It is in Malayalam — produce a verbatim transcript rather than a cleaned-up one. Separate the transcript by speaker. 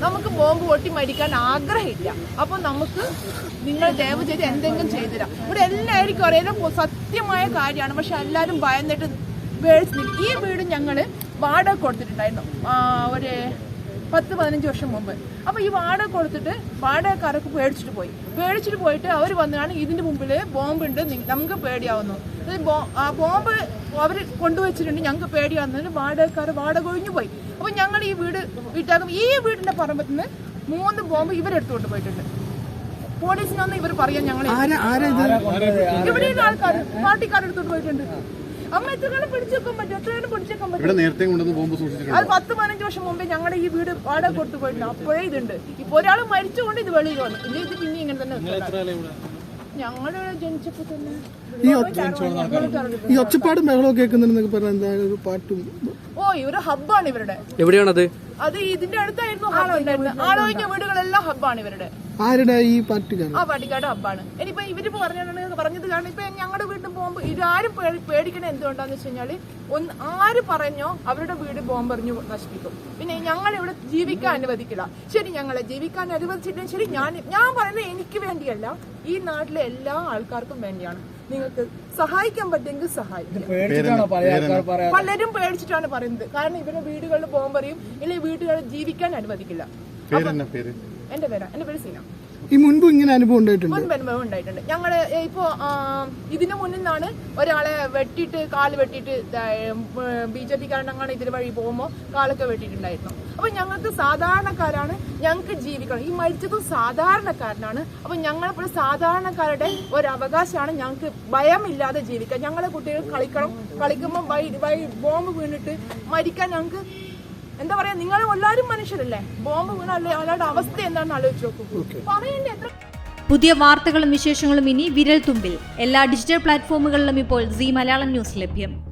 Speaker 1: നമുക്ക് ബോംബ് പൊട്ടി മരിക്കാൻ ആഗ്രഹമില്ല. അപ്പോൾ നമുക്ക് നിങ്ങൾ ദയവ് ചെയ്ത് എന്തെങ്കിലും ചെയ്തുതരാം. ഇവിടെ എല്ലാവർക്കും അറിയാം സത്യമായ കാര്യമാണ്. പക്ഷെ എല്ലാവരും ഭയന്നിട്ട് വേഴ്സ് ഈ വീട് ഞങ്ങൾ വാടക കൊടുത്തിട്ടുണ്ടായിരുന്നു ഒരു പത്ത് പതിനഞ്ച് വർഷം മുമ്പ്. അപ്പോൾ ഈ വാടക കൊടുത്തിട്ട് വാടകക്കാരൊക്കെ പേടിച്ചിട്ട് പോയി പേടിച്ചിട്ട് പോയിട്ട് അവർ വന്നാണ് ഇതിൻ്റെ മുമ്പിൽ ബോംബുണ്ട്, നമുക്ക് പേടിയാവുന്നു. ആ ബോംബ് അവർ കൊണ്ടുവച്ചിട്ടുണ്ട്, ഞങ്ങൾക്ക് പേടിയാവുന്നതിന് വാടകക്കാർ വാടക ഒഴിഞ്ഞു പോയി. അപ്പോൾ ഞങ്ങൾ ഈ വീട് വീട്ടാകും ഈ വീടിൻ്റെ പറമ്പത്തിൽ നിന്ന് മൂന്ന് ബോംബ് ഇവരെടുത്തുകൊണ്ട് പോയിട്ടുണ്ട്. പോലീസിനൊന്നും ഇവർ പറയാൻ ഞങ്ങൾ ഇവിടെയുള്ള ആൾക്കാർ പാർട്ടിക്കാരെടുത്തോണ്ട് പോയിട്ടുണ്ട്. അമ്മ എത്ര കാലം പിടിച്ചേക്കാൻ പറ്റും? എത്ര കാലം പിടിച്ചേക്കാൻ പറ്റും? അത് പത്ത് പതിനഞ്ച് വർഷം മുമ്പേ ഞങ്ങളുടെ ഈ വീട് വാടക കൊടുത്തു പോയിട്ടുണ്ട്. അപ്പോഴേ ഇതുണ്ട്. ഇപ്പൊ ഒരാൾ മരിച്ചുകൊണ്ട് ഇത് വെളിയിൽ വന്നു. ഇല്ല ഇത് പിന്നെ ഇങ്ങനെ തന്നെ ഞങ്ങള് ജനിച്ചപ്പോ തന്നെ
Speaker 2: ഈ ഒച്ചപ്പാടും ബഹളവും കേൾക്കുന്നുണ്ടെന്നൊക്കെ പറഞ്ഞ പാട്ടും.
Speaker 1: ഓ ഇവര് ഹബ്ബാണ് ഇവരുടെ.
Speaker 3: എവിടെയാണത്?
Speaker 1: അത് ഇതിന്റെ അടുത്തായിരുന്നു ആളൊഴിഞ്ഞ ആളൊഴിഞ്ഞ വീടുകളെല്ലാം ഹബ്ബാണ് ഇവരുടെ.
Speaker 2: ആരുടെ? ഈ പാർട്ടിക്കാരൻ.
Speaker 1: ആ പാർട്ടിക്കാരുടെ ഹബ്ബാണ്. ഇനിയിപ്പോ ഇവരിപ്പോ പറഞ്ഞാണ് പറഞ്ഞത് കാരണം ഇപ്പൊ ഞങ്ങളുടെ വീട്ടിൽ പോകുമ്പോ ഇതാരും പേടിക്കണ എന്തുകൊണ്ടാന്ന് വെച്ച് കഴിഞ്ഞാല് ഒന്ന് ആര് പറഞ്ഞോ അവരുടെ വീട് ബോംബെറിഞ്ഞു നശിപ്പിക്കും. പിന്നെ ഞങ്ങൾ ഇവിടെ ജീവിക്കാൻ അനുവദിക്കില്ല. ശരി, ഞങ്ങളെ ജീവിക്കാൻ അനുവദിച്ചിട്ടും ശരി, ഞാൻ ഞാൻ പറയുന്നത് എനിക്ക് വേണ്ടിയല്ല, ഈ നാട്ടിലെ എല്ലാ ആൾക്കാർക്കും വേണ്ടിയാണ്. നിങ്ങൾക്ക് സഹായിക്കാൻ പറ്റുമെങ്കിൽ സഹായിക്കും. പലരും പേടിച്ചിട്ടാണ് പറയുന്നത്. കാരണം ഇവരുടെ വീടുകളിൽ ബോംബെറിയും ഇല്ലെങ്കിൽ വീടുകളിൽ ജീവിക്കാൻ അനുവദിക്കില്ല. എന്റെ പേരാ എന്റെ പേര് സീന.
Speaker 2: ഈ മുൻപ് ഇങ്ങനെ അനുഭവം ഉണ്ടായിട്ടുണ്ട്?
Speaker 1: മുൻപ് അനുഭവം ഉണ്ടായിട്ടുണ്ട്. ഞങ്ങള് ഇപ്പോ ഇതിനു മുന്നിൽ നിന്നാണ് ഒരാളെ വെട്ടിയിട്ട് കാല് വെട്ടിയിട്ട് ബി ജെ പി കാരണങ്ങളാണ് ഇതിന് വഴി പോകുമ്പോൾ കാലൊക്കെ വെട്ടിയിട്ടുണ്ടായിരുന്നു. അപ്പൊ ഞങ്ങൾക്ക് സാധാരണക്കാരാണ്, ഞങ്ങൾക്ക് ജീവിക്കണം. ഈ മരിച്ചതും സാധാരണക്കാരനാണ്. അപ്പൊ ഞങ്ങളിപ്പോൾ സാധാരണക്കാരുടെ ഒരു അവകാശമാണ് ഞങ്ങൾക്ക് ഭയമില്ലാതെ ജീവിക്കാൻ. ഞങ്ങളെ കുട്ടികൾ കളിക്കണം, കളിക്കുമ്പോൾ ബോംബ് വീണിട്ട് മരിക്കാൻ ഞങ്ങൾക്ക് എന്താ പറയാ, നിങ്ങൾ എല്ലാവരും മനുഷ്യരല്ലേ. ബോംബ് വീണല്ലേ അവരുടെ അവസ്ഥ എന്താണെന്ന് ആലോചിച്ച് നോക്കൂ. പറയണ്ടേ എത്ര.
Speaker 4: പുതിയ വാർത്തകളും വിശേഷങ്ങളും ഇനി വിരൽ തുമ്പിൽ. എല്ലാ ഡിജിറ്റൽ പ്ലാറ്റ്ഫോമുകളിലും ഇപ്പോൾ സീ മലയാളം ന്യൂസ് ലഭ്യം.